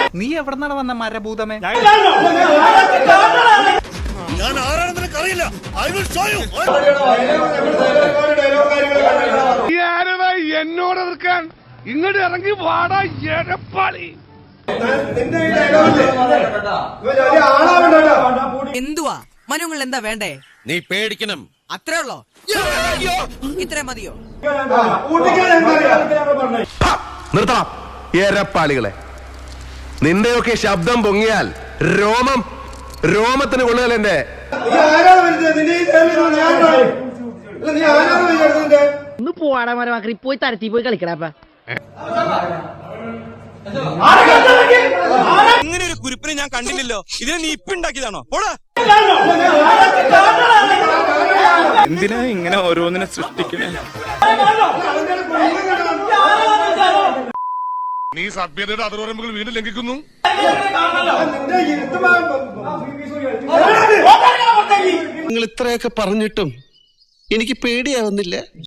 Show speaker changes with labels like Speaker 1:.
Speaker 1: നീ എവിടെന്നാണ് വന്ന മരഭൂതമേ?
Speaker 2: ഞാൻ ആരാണെന്ന് അറിയില്ല.
Speaker 3: എന്നോട് എതിർക്കാൻ ഇങ്ങോട്ട് ഇറങ്ങി വാടാ എടപ്പാളി.
Speaker 4: എന്തുവാ മനുങ്ങൾ എന്താ വേണ്ടേ?
Speaker 2: നീ പേടിക്കണം.
Speaker 4: അത്രേ ഉള്ളോ? ഇത്രേ മതിയോ?
Speaker 5: നിർത്തണം എരപ്പാളികളെ. നിന്റെയൊക്കെ ശബ്ദം പൊങ്ങിയാൽ രോമത്തിന് കൊള്ളുകയല്ല. എന്റെ
Speaker 6: ഒന്ന് പോവാടാ മരമാക്കി പോയി തരത്തി പോയി കളിക്കടാപ്പ.
Speaker 2: ഇങ്ങനെ ഒരു കുരിപ്പിനെ ഞാൻ കണ്ടില്ലല്ലോ. ഇതിനെ നീ ഇപ്പിണ്ടാക്കിയതാണോ? പോടാ.
Speaker 1: എന്തിനാ ഇങ്ങനെ ഓരോന്നിനെ സൃഷ്ടിക്കണേ?
Speaker 3: നീ സഭ്യതയുടെ അതിർവരമ്പുകൾ വീണ്ടും ലംഘിക്കുന്നു.
Speaker 5: നിങ്ങൾ ഇത്രയൊക്കെ പറഞ്ഞിട്ടും എനിക്ക് പേടിയാവുന്നില്ല.